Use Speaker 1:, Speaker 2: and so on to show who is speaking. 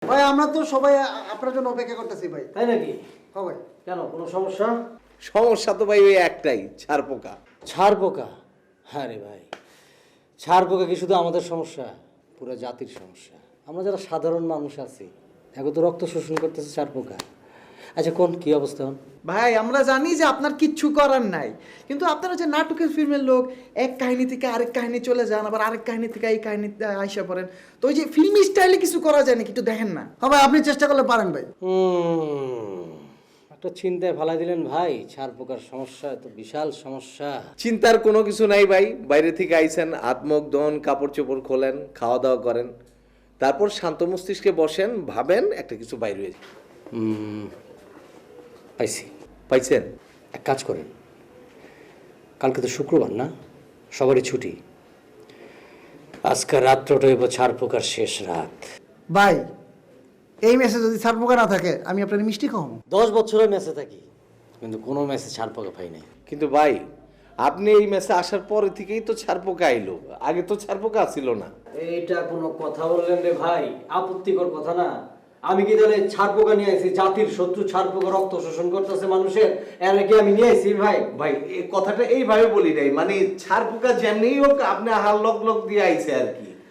Speaker 1: ভাই আমরা তো সবাই আপনার জন্য অপেক্ষা করতেছি ভাই।
Speaker 2: তাই নাকি?
Speaker 1: হ্যাঁ ভাই।
Speaker 2: কেন, কোনো সমস্যা?
Speaker 3: সমস্যা তো ভাই ওই একটাই, ছাড় পোকা।
Speaker 2: ছাড় পোকা? হ্যাঁ রে ভাই, ছাড় পোকা কি শুধু আমাদের সমস্যা? পুরো জাতির সমস্যা। আমরা যারা সাধারণ মানুষ আছি, এখন তো রক্ত শোষণ করতেছে ছাড় পোকা। আচ্ছা কোন কি অবস্থা?
Speaker 4: ভাই আমরা জানি যে আপনার কিচ্ছু করার নাই, কিন্তু আপনারা যে নাটকের ফিল্মের লোক, এক কাহিনী থেকে আরেক কাহিনী চলে যান, আবার আরেক কাহিনী থেকে এই কাহিনীতে আইসা পড়েন, তো ওই যে ফিল্মি স্টাইলে কিছু করা যায় নাকি একটু দেখেন না?
Speaker 1: হ্যাঁ ভাই, আপনি চেষ্টা করলে পারেন ভাই।
Speaker 2: একটা চিন্তায় ফেলাই দিলেন ভাই। ছাড় পোকার সমস্যা তো বিশাল সমস্যা।
Speaker 3: চিন্তার কোনো কিছু নাই ভাই, বাইরে থেকে আইছেন, হাত মুখ ধোন, কাপড় চোপড় খোলেন, খাওয়া দাওয়া করেন, তারপর শান্ত মস্তিষ্কে বসেন, ভাবেন একটা কিছু বাইরে হয়ে যায়।
Speaker 2: পাইছি।
Speaker 3: পাইছেন?
Speaker 2: এক কাজ করেন, কালকে তো শুক্রবার না, সবারই ছুটি। আজকে রাত্রটা হইব ছাড় পোকার শেষ রাত।
Speaker 1: ভাই এই মেসেজ যদি ছাড় পোকা না থাকে আমি আপনার মিষ্টি খাওয়াবো।
Speaker 2: 10 বছরের ম্যাচে থাকি, কিন্তু কোনো ম্যাচে ছাড় পোকা পাই নাই।
Speaker 3: কিন্তু ভাই আপনি এই মেসে আসার পরে থেকেই তো ছাড় পোকা আইলো, আগে তো ছাড় পোকা ছিল না।
Speaker 2: এইটা কোনো কথা বললেন রে ভাই? আপত্তিকর কথা না? আমি কি তাহলে ছাড় পোকা নিয়ে আইছি? জাতির শত্রু ছাড় পোকা রক্ত শোষণ করতেছে মানুষের, এর কি আমি নিয়ে আইছি ভাই?
Speaker 3: ভাই এই কথাটা এইভাবে বলি নাই, মানে ছাড় পোকা যেমনি হোক আপনি হাল লক লক দিয়ে আইছে আর কি।